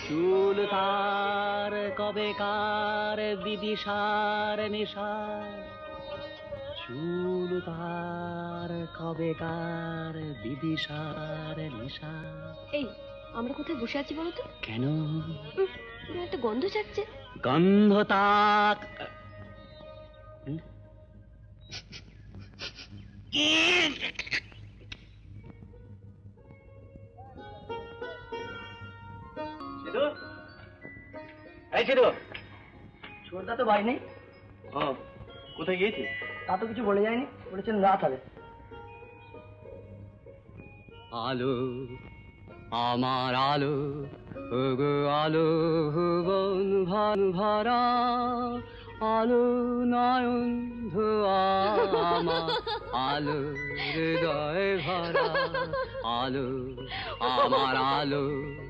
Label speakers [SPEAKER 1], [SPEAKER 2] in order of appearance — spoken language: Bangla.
[SPEAKER 1] চুল তার কবেকার বিদিশার নেশা, চুল তার কবেকার বিদিশার নেশা।
[SPEAKER 2] এই আমরা কোথায় বসে আছি বলো তো?
[SPEAKER 1] কেন?
[SPEAKER 2] একটা গন্ধ ছাড়ছে।
[SPEAKER 1] গন্ধ তাক
[SPEAKER 3] ছোটদা তো বাড়ি নেই।
[SPEAKER 1] কোথায় গিয়েছে?
[SPEAKER 3] তা তো কিছু বলে যায়নি, বলেছেন রাত হবে।
[SPEAKER 1] আলো আমার আলো, ওগো আলো ভুবন ভান ভরা, আলো নয়ন ধোয়া আমার, আলো হৃদয় ভরা, আলো আমার আলো।